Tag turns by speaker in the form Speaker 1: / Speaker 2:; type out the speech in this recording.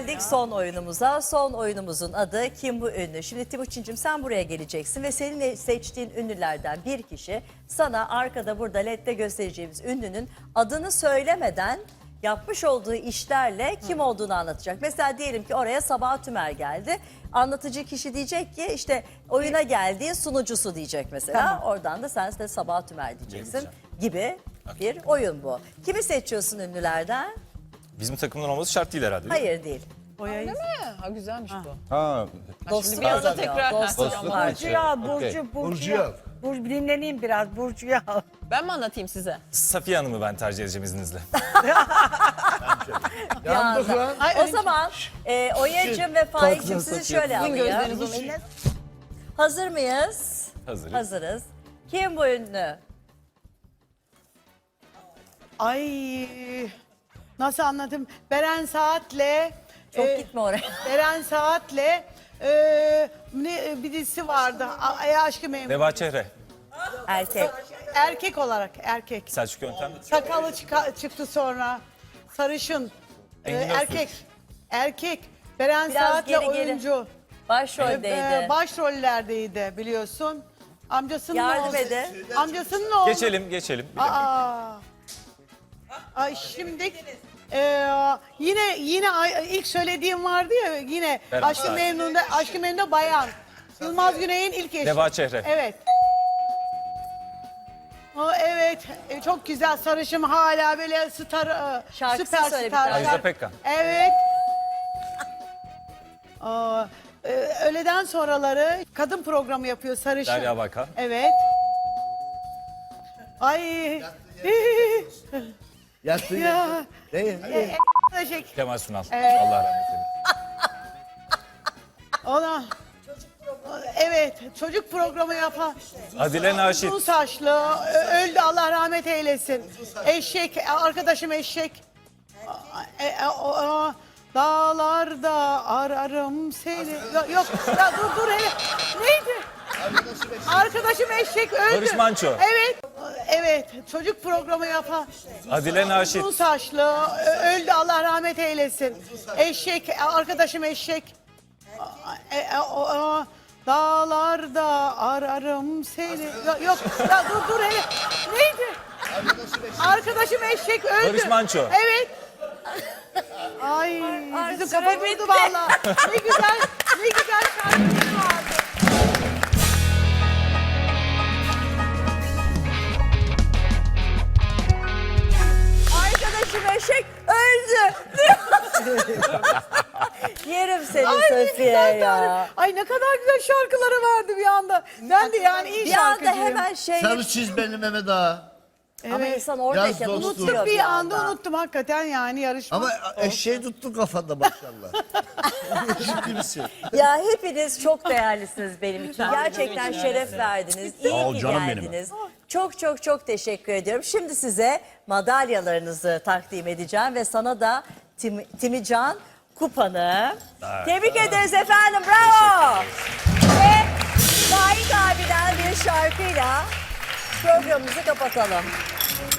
Speaker 1: geldik son oyunumuza. Son oyunumuzun adı Kim Bu Ünlü? Şimdi Timuçin'cim sen buraya geleceksin ve senin seçtiğin ünlülerden bir kişi sana arkada burada LED'de göstereceğimiz ünlünün adını söylemeden yapmış olduğu işlerle kim olduğunu anlatacak. Mesela diyelim ki oraya Sabah Tümer geldi. Anlatıcı kişi diyecek ki işte oyuna geldiği sunucusu diyecek mesela.
Speaker 2: Tamam.
Speaker 1: Oradan da sen de Sabah Tümer diyeceksin gibi bir oyun bu. Kimi seçiyorsun ünlülerden?
Speaker 3: Bizim takımdan olması şart değil herhalde. Değil mi?
Speaker 1: Hayır değil.
Speaker 2: Öyle mi? Ha güzelmiş bu.
Speaker 3: Ha.
Speaker 1: Dostluk
Speaker 2: bir anda
Speaker 1: kazanıyor.
Speaker 2: tekrar-
Speaker 1: Dostluk
Speaker 3: Dostluk
Speaker 1: var.
Speaker 3: maçı.
Speaker 2: Ya
Speaker 3: Okey.
Speaker 2: Burcu ya. Burcu dinleneyim biraz Burcu ya. Ben mi anlatayım size?
Speaker 3: Safiye Hanım'ı ben tercih edeceğim izninizle.
Speaker 1: Yandık
Speaker 2: lan.
Speaker 1: O zaman Oya'cığım ve Faik'cim sizi şöyle
Speaker 2: Sizin gözleriniz
Speaker 1: alayım.
Speaker 2: onun eline.
Speaker 1: Hazır mıyız?
Speaker 3: Hazırız.
Speaker 1: Hazırız. Kim bu ünlü?
Speaker 4: Ay nasıl anlatayım? Beren Saat'le
Speaker 1: Çok gitme oraya.
Speaker 4: Beren Saat'le bir dizisi vardı. Ay Aşkı Memnu.
Speaker 3: Neva Çehre.
Speaker 1: Erkek.
Speaker 4: Erkek olarak erkek.
Speaker 3: Selçuk Yöntem.
Speaker 4: Sakalı çıktı sonra. Sarışın.
Speaker 3: Engin
Speaker 4: Erkek. Erkek. Beren
Speaker 1: Biraz
Speaker 4: Saat'le
Speaker 1: geri, geri.
Speaker 4: oyuncu.
Speaker 1: Başroldeydi.
Speaker 4: Başrollerdeydi biliyorsun. Amcasının
Speaker 1: Yardım
Speaker 4: oğlu.
Speaker 1: edin.
Speaker 4: Amcasının oğlu.
Speaker 3: Geçelim. Bir dakika.
Speaker 4: Aa. Ay şimdi yine ilk söylediğim vardı ya yine
Speaker 3: Beren
Speaker 4: Aşk-ı
Speaker 3: Saat.
Speaker 4: Memnu'da bayan. Yılmaz Güney'in ilk eşi.
Speaker 3: Neva Çehre.
Speaker 4: Evet. O evet çok güzel sarışım hala böyle
Speaker 1: Şarkısını
Speaker 4: süper
Speaker 1: söyle bir
Speaker 4: star.
Speaker 1: tane.
Speaker 3: Ajda Pekkan.
Speaker 4: Evet. Öğleden sonraları kadın programı yapıyor sarışın.
Speaker 3: Derya Bakan.
Speaker 4: Evet. Ay.
Speaker 5: Yattın
Speaker 4: Ya.
Speaker 5: yattın. Değil.
Speaker 4: Teşekkür.
Speaker 3: Kemal Sunal.
Speaker 4: Evet.
Speaker 3: Allah rahmet eylesin.
Speaker 4: Ona. Evet, çocuk programı yapan.
Speaker 3: Adile Naşit.
Speaker 4: Uzun saçlı, öldü Allah rahmet eylesin. Eşek, arkadaşım eşek. Dağlarda ararım seni. Yok, ya dur hele. Neydi? Arkadaşım eşek öldü.
Speaker 3: Barış Manço.
Speaker 4: Evet, çocuk programı yapan.
Speaker 3: Adile Naşit.
Speaker 4: Uzun saçlı, öldü Allah rahmet eylesin. Eşek, arkadaşım eşek. Dağlarda ararım seni. Yok, ya dur hele. Neydi? Arkadaşım eşek öldü.
Speaker 3: Barış Manço.
Speaker 4: Evet. Ay, bizim
Speaker 1: süre
Speaker 4: kafa
Speaker 1: bitti.
Speaker 4: durdu valla. Ne güzel şarkılar vardı.
Speaker 1: Arkadaşım eşek öldü. Yerim seni Safiye ya.
Speaker 4: Ay ne kadar güzel şarkıları vardı bir anda. Ben de yani iyi
Speaker 1: Bir anda
Speaker 4: şarkıcıyım.
Speaker 1: hemen şey...
Speaker 5: Sarı çiz beni Mehmet Ağa.
Speaker 1: Ama insan oradayken
Speaker 5: Yaz dostum.
Speaker 1: unutuyor
Speaker 4: Bir anda unuttum hakikaten yani yarışma.
Speaker 5: Ama eşeği tuttu kafanda maşallah. Ciddi misin?
Speaker 1: Ya hepiniz çok değerlisiniz benim için. Gerçekten şeref verdiniz. İyi ki geldiniz. Çok teşekkür ediyorum. Şimdi size madalyalarınızı takdim edeceğim ve sana da Timican kupanı. Tebrik ederiz efendim. Bravo. Ve Faik abiden bir şarkıyla programımızı kapatalım.